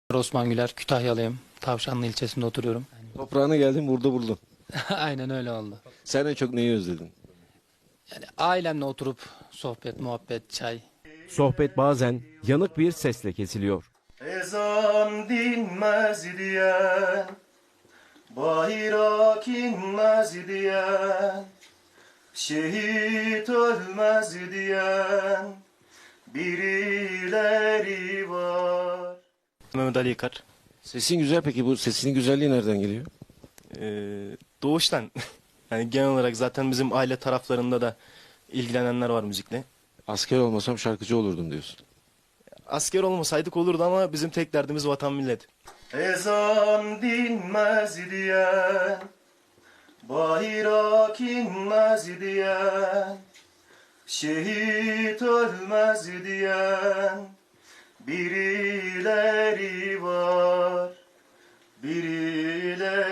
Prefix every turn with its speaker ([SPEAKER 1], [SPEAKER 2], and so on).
[SPEAKER 1] Osman Güler, Kütahyalıyım. Tavşanlı ilçesinde oturuyorum.
[SPEAKER 2] Toprağına geldin, burada buldun.
[SPEAKER 1] Aynen öyle oldu.
[SPEAKER 2] Sen en çok neyi özledin?
[SPEAKER 1] Yani ailemle oturup sohbet, muhabbet, çay.
[SPEAKER 3] Sohbet bazen yanık bir sesle kesiliyor.
[SPEAKER 4] Ezan dinmez diyen, bayrak inmez diyen, şehit ölmez diyen birileri var.
[SPEAKER 5] Mehmet Ali Yıkar.
[SPEAKER 2] Sesin güzel, peki bu sesinin güzelliği nereden geliyor?
[SPEAKER 5] Doğuştan. Yani genel olarak zaten bizim aile taraflarında da ilgilenenler var müzikle.
[SPEAKER 2] Asker olmasam şarkıcı olurdum diyorsun.
[SPEAKER 5] Asker olmasaydık olurdu ama bizim tek derdimiz vatan millet.
[SPEAKER 4] Ezan dinmez diyen, bayrak inmez diyen, şehit ölmez diyen birileri var, birileri